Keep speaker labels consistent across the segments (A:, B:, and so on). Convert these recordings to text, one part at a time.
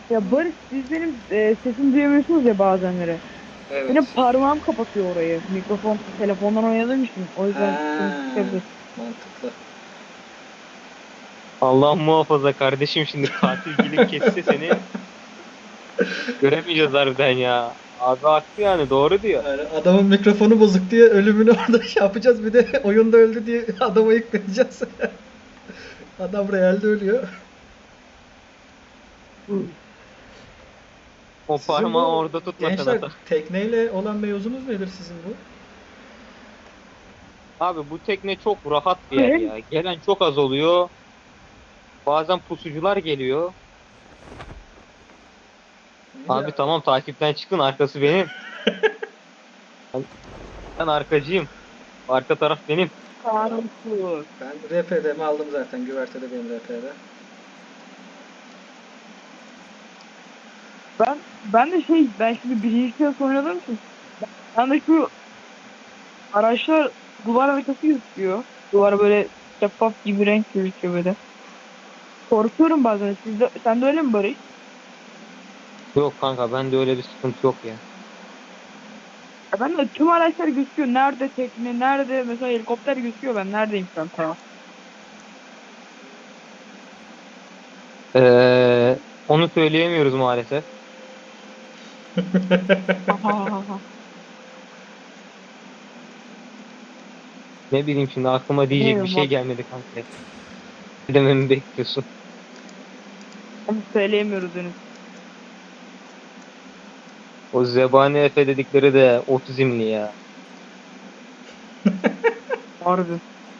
A: Ya Barış siz benim sesimi duyamıyorsunuz ya bazenleri. Benim
B: Evet.
A: parmağım kapatıyor orayı. Mikrofon telefondan oynadığım için. O yüzden sıkıntı
B: Ha,
A: çıkabilir.
B: mantıklı.
C: Allah muhafaza kardeşim, şimdi katil gelip kesse seni göremeyeceğiz harbiden ya. Abi haklı, yani doğru diyor.
B: Yani adamın mikrofonu bozuk diye ölümünü orada şey yapacağız. Bir de oyunda öldü diye adamı yıkmayacağız. Adam realde ölüyor.
C: O
B: Sizin
C: parmağı
B: bu
C: orada tutmasın
B: gençler
C: hata.
B: tekneyle olan mevzunuz nedir sizin bu?
C: Abi bu tekne çok rahat bir yer
A: Hem
C: ya. Gelen çok az oluyor. Bazen pusucular geliyor. Abi
B: Ya,
C: tamam, takipten çıkın, arkası benim. Ben, ben arkacıyım. Arka taraf benim.
A: karanlık.
B: ben RP'demi aldım zaten. Güvertede benim RP'de.
A: Ben de ben şimdi birinci kez oynadığım için ben de şu araçlar duvar haritası gözüküyor. Duvar böyle şeffaf gibi renk gözüküyor böyle. Korkuyorum bazen. Sen de öyle mi Barış?
C: Yok kanka, bende öyle bir sıkıntı yok ya.
A: Ya ben de tüm araçlar gözüküyor. Nerede tekne, nerede mesela helikopter gözüküyor. Ben neredeyim şu an? Tamam.
C: Onu söyleyemiyoruz maalesef. Ne bileyim, şimdi aklıma diyecek bir
A: Bilmiyorum
C: şey
A: bak.
C: gelmedi kanka. Ne dememi bekliyorsun?
A: Onu söyleyemiyoruz henüz.
C: O zebani Efe dedikleri de otizmli ya.
A: Harbi.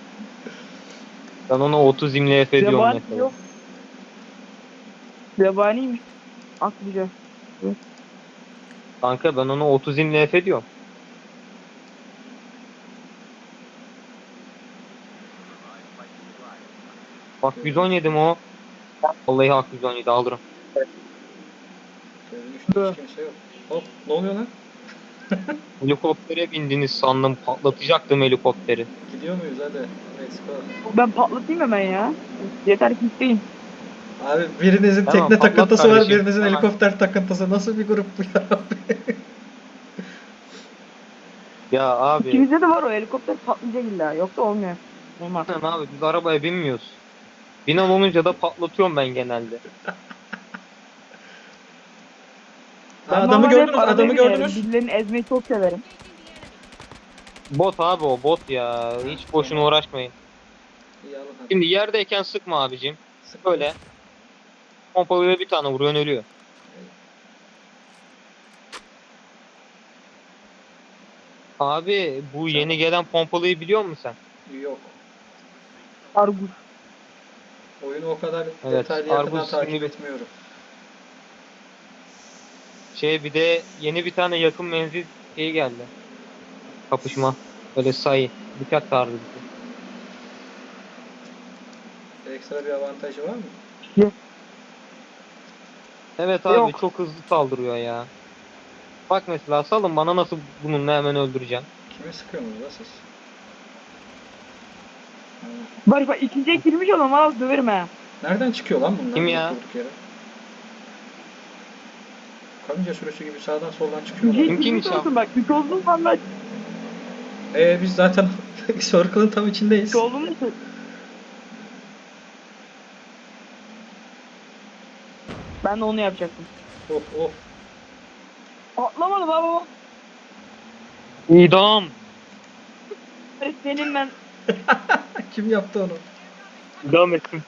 C: Ben ona otizmli Efe diyorum
A: Zebani
C: mesela.
A: yok. Zebaniymiş. Aklıca.
C: Kanka ben ona otizmli Efe diyorum. Bak,
B: Görünüş,
C: 117 mi o? Vallahi hak, 117 alırım.
B: görünüşte hiç kimse yok. Hop, ne oluyor lan?
C: Helikoptere bindiniz sandım, patlatacaktım helikopteri.
B: Gidiyor muyuz hadi? Let's go.
A: Ben patlatayım hemen ya. Yeter ki isteyin.
B: Abi birinizin
C: Hemen
B: tekne
C: patlat
B: takıntısı var,
C: kardeşim.
B: birinizin
C: Hemen.
B: helikopter takıntısı. Nasıl bir grup bu ya?
C: Ya abi.
A: İkimizde de var o helikopter patlayacak illa. Yoksa olmuyor. Olmaz.
C: Sen abi, biz arabaya binmiyoruz. Binen olunca da patlatıyorum ben genelde.
B: Aa,
A: Ben
B: adamı
A: normalde hep
B: gördünüz,
A: arabaya
B: adamı
A: binerim.
B: gördünüz.
A: Birilerini ezmeyi çok severim.
C: Bot abi, o bot ya. Hiç boşuna uğraşmayın.
B: İyi alın hadi.
C: Şimdi yerdeyken sıkma abicim.
B: Sıkmadım.
C: Böyle pompalıyla bir tane vuruyorsun, ölüyor. Abi bu
B: Sen
C: yeni gelen pompalıyı biliyor musun sen?
B: yok.
A: Argus.
B: Oyunu o kadar
C: Evet,
B: detaylı yakından
C: Argus isimli
B: takip
C: bir
B: etmiyorum.
C: şey, bir de yeni bir tane yakın menzil şey geldi. Kapışma. Böyle sayı. Bıçak tarzı bir şey.
B: Ekstra bir avantajı var mı?
C: Evet abi,
A: Yok.
C: çok hızlı saldırıyor ya. Bak mesela, salın bana, nasıl bununla hemen öldüreceğim.
B: Kime sıkıyorsunuz la siz? Ha.
A: Barış bak ikinciye girmiş olan valla döverim ha.
B: Nereden çıkıyor lan bunlar
C: Kim
B: durup
C: ya?
B: durduk yere? Karınca sürüsü gibi sağdan soldan çıkıyorlar
A: İkinciye
B: ya.
C: Kim
A: girmiş
C: nişan?
A: olsun bak. Üç olduğum valla
B: Biz zaten Circle'ın tam
A: üç
B: içindeyiz.
A: olduğum için. Ben de onu yapacaktım.
B: Oh oh.
A: Patlamadı baba.
C: İdam.
A: Barış senin ben.
B: Kim yaptı onu?
C: İdam etsin.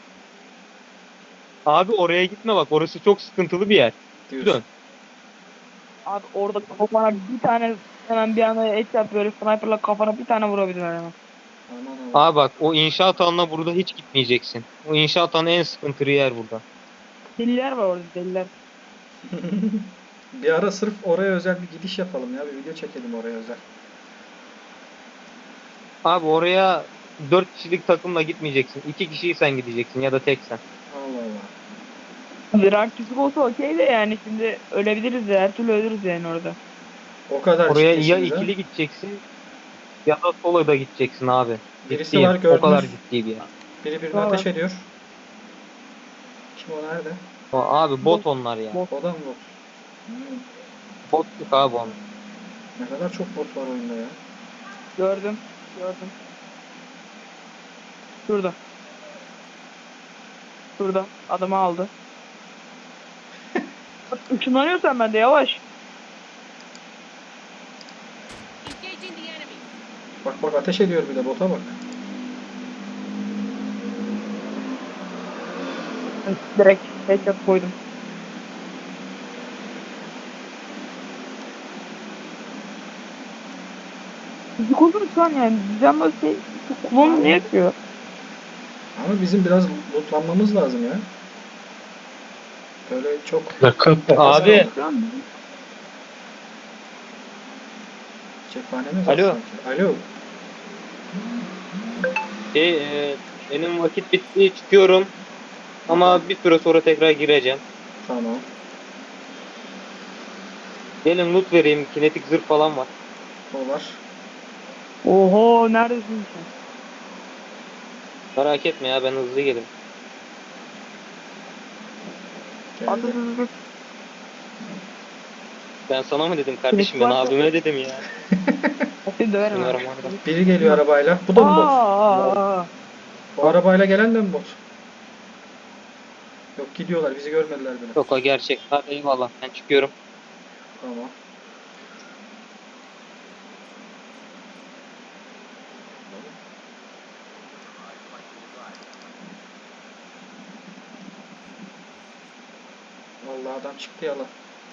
C: Abi oraya gitme bak, orası çok sıkıntılı bir yer.
B: Diyorsun.
C: Dön.
A: Abi orada kafana bir tane hemen bir anda et yap böyle sniperla kafana bir tane vurabilirler hemen.
B: Aman aman.
C: Abi bak, o inşaat alanına burada hiç gitmeyeceksin. O inşaat alanı en sıkıntılı yer burada.
A: Deliler var orada deliler.
B: Bir ara sırf oraya özel bir gidiş yapalım ya. Bir video çekelim oraya özel.
C: Abi oraya 4 kişilik takımla gitmeyeceksin. 2 kişiyi sen gideceksin ya da tek sen.
B: Allah Allah.
A: Rank düşük olsa okey de yani şimdi ölebiliriz ya. Her türlü ölürüz yani orada.
B: O kadar
C: Oraya ya
B: ciddisiniz ha.
C: ikili gideceksin ya da solo da gideceksin abi.
B: Birisi var
C: Ciddiyim. O kadar
B: gördünüz.
C: ciddi bir yer.
B: Biri birine
A: Tamam.
B: ateş ediyor. Kim o nerede?
C: Abi bot onlar ya.
A: Bot.
B: O da mı bot?
C: Botluk abi onlar.
B: Ne kadar çok bot var oyunda ya.
A: Gördüm. Şurada. Şurada. Adamı aldı. Bak, ışınlanıyorsan ben de yavaş.
D: Engaging the enemy.
B: Bak ateş ediyor bir de bota bak.
A: Direkt headshot koydum. Fizik olur şu an yani. Bizden böyle şey kullanılmıyor ki.
B: Ama bizim biraz lootlanmamız lazım ya. Böyle çok...
C: Abi.
A: Şu an bizim
B: Cephanemiz var
C: Alo.
B: sanki. Alo.
C: Benim vakit bitti, çıkıyorum. Ama bir süre sonra tekrar gireceğim.
B: Tamam.
C: Gelin loot vereyim. Kinetik zırh falan var.
B: O var.
A: Oho neredesin sen?
C: Merak etme ya, ben hızlı gelirim.
B: Geldi.
A: Atatürk.
C: Ben sana mı dedim kardeşim, ben
A: Kinetik varsa-
C: abime dedim ya.
A: Seni döverim ha.
C: Bismillahirrahmanirrahim.
B: Biri geliyor arabayla. Bu da mı bot?
A: Aa.
B: O arabayla gelen de mi bot? Yok gidiyorlar. Bizi görmediler bile.
C: Yok, o gerçek. Hadi eyvallah, ben çıkıyorum.
B: Tamam. Vallahi adam çıktı yalan.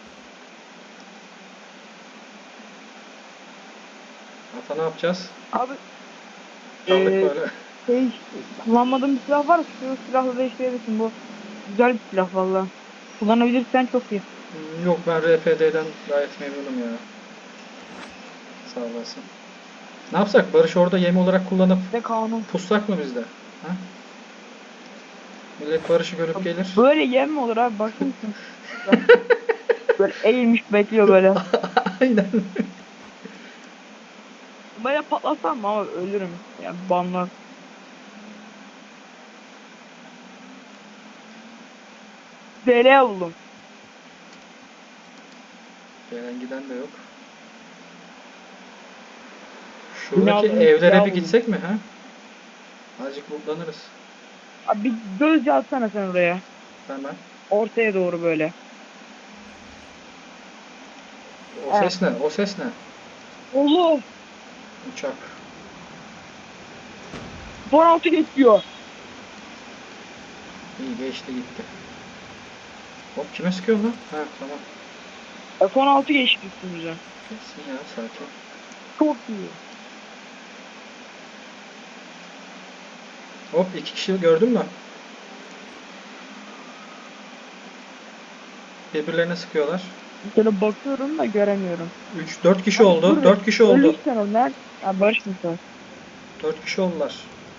B: Ata ne yapacağız?
A: Abi
B: Kaldık
A: Ee,
B: böyle.
A: şey kullanmadığım bir silah var. Şu silahla değiştirebilirsin. Bu güzel bir silah valla. Kullanabilirsen çok iyi.
B: Yok ben RPD'den gayet memnunum ya. Sağ olasın. Ne yapsak? Barış orada yem olarak kullanıp
A: Ve kanun.
B: pussak mı bizde? Ha? Millet Barış'ı görüp gelir.
A: Böyle yem mi olur abi? Bakar mısın? Böyle eğilmiş bekliyor böyle.
B: Aynen.
A: Böyle patlatsam mı ama ölürüm. Yani banlar. DL buldum.
B: Gelen giden de yok. Şuradaki
A: Binanın
B: evlere
A: silahı
B: bir
A: buldum.
B: gitsek mi ha? Azıcık mutlanırız.
A: Abi bir gözcü atsana sen oraya.
B: Hemen.
A: Ortaya doğru böyle.
B: O ses ne? O ses ne?
A: Allah!
B: Uçak.
A: 16 geçiyor.
B: İyi geçti gitti. Hop kime sıkıyorsun lan? Ha tamam.
A: F-16 geçti üstümüze.
B: Kesin ya sakin.
A: Çok iyi.
B: Hop iki kişi gördün mü? Birbirlerine sıkıyorlar.
A: Şöyle bakıyorum da göremiyorum.
B: 4 kişi oldu.
A: Dur,
B: 4 kişi oldu.
A: Ölürsen o nerede? Ha Barış mısın?
B: 4 kişi oldular.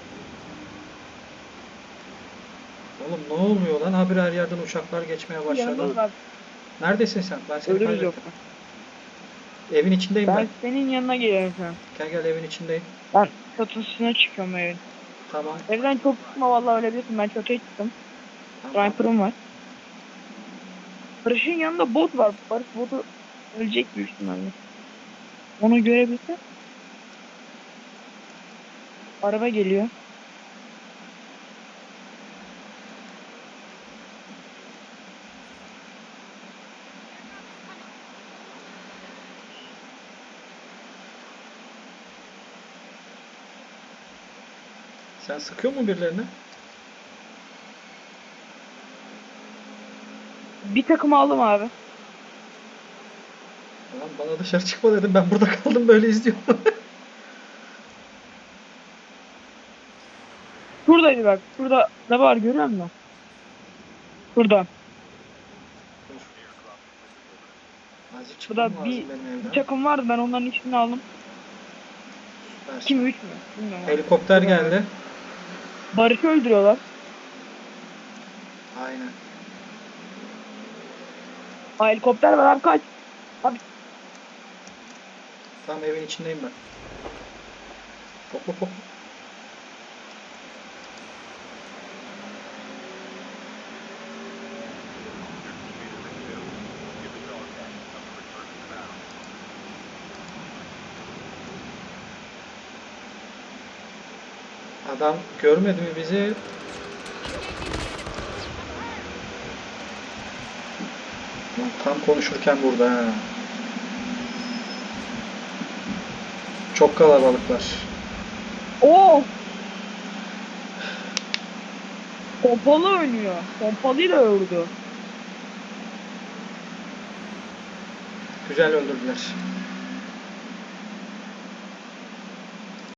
B: Oğlum ne oluyor lan? Habire her yerden uçaklar geçmeye başladı.
A: Yanımda
B: Neredesin sen? Ben seni
A: ölürüz
B: kaybettim.
A: yoksa.
B: Evin içindeyim ben.
A: Ben senin yanına geliyorum şu an.
B: Gel evin içindeyim.
A: Ben çatısına çıkıyorum evin.
B: Tamam.
A: Evden çok çıkma vallahi ölebilirsin. Ben çatıya çıktım.
B: Tamam.
A: Sniper'ım var. Barış'ın yanında bot var. Barış botu ölecek büyük ihtimalle. Onu görebilse. Araba geliyor.
B: Sen sıkıyor mu birilerine?
A: Bir takım aldım abi.
B: Lan bana dışarı çıkma dedim. Ben burada kaldım böyle izliyorum.
A: Şuradaydı bak. Şurada ne var görüyor musun? Şurada.
B: Azıcık
A: Şurada
B: çıkmam
A: bir,
B: lazım benim
A: bir
B: evden.
A: takım vardı. Ben onların içini aldım.
B: Süpersin.
A: Kim 3 mü? Bilmiyorum.
B: Helikopter geldi.
A: Barış'ı öldürüyorlar.
B: Aynen.
A: Ha, helikopter var abi kaç.
B: Tam evin içindeyim ben. Hop hop hop. Adam görmedi mi bizi? Tam konuşurken burada ha. Çok kalabalıklar.
A: Oo! Pompalı oynuyor. Pompalıyla öldü.
B: Güzel öldürdüler.